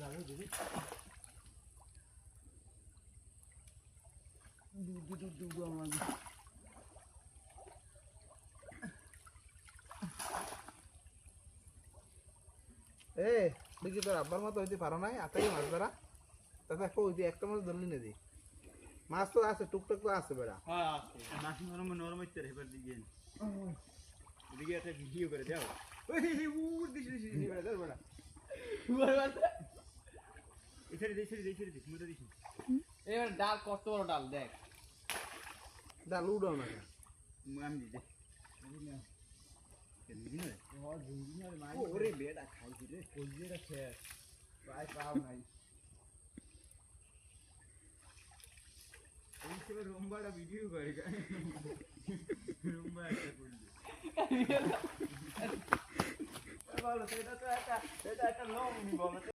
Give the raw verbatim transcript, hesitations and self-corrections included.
এ দেখি তোর আব্বার মতো হইতে পারো নাই আতাই মাছ ধরা তাতে কই যে একটা মাছ ধরলি না দি মাছ তো আছে টুকটাক তো আছে বেড়া হ্যাঁ আছে মাছ নরম নরম হইতে রে এবার দিগেন এদিকে একটা ভিডিও করে দাও ওই উড় দিছি দিছি দিছি বেড়া ধর বেড়া এছাড়ে দেই ছেড়ে দেই ছেড়ে দেই মুদা দিছি এবার ডাল কত বড় ডাল দেখ ডাল উড়াও না আমি দিতে ওরে বেড়া খাইছি রে কলজিটা শেষ প্রায় পাও নাই এই সব রুম্বাটা ভিডিও করে রুম্বা একটা করলি বলো সেটা তো একটা সেটা একটা লং বলো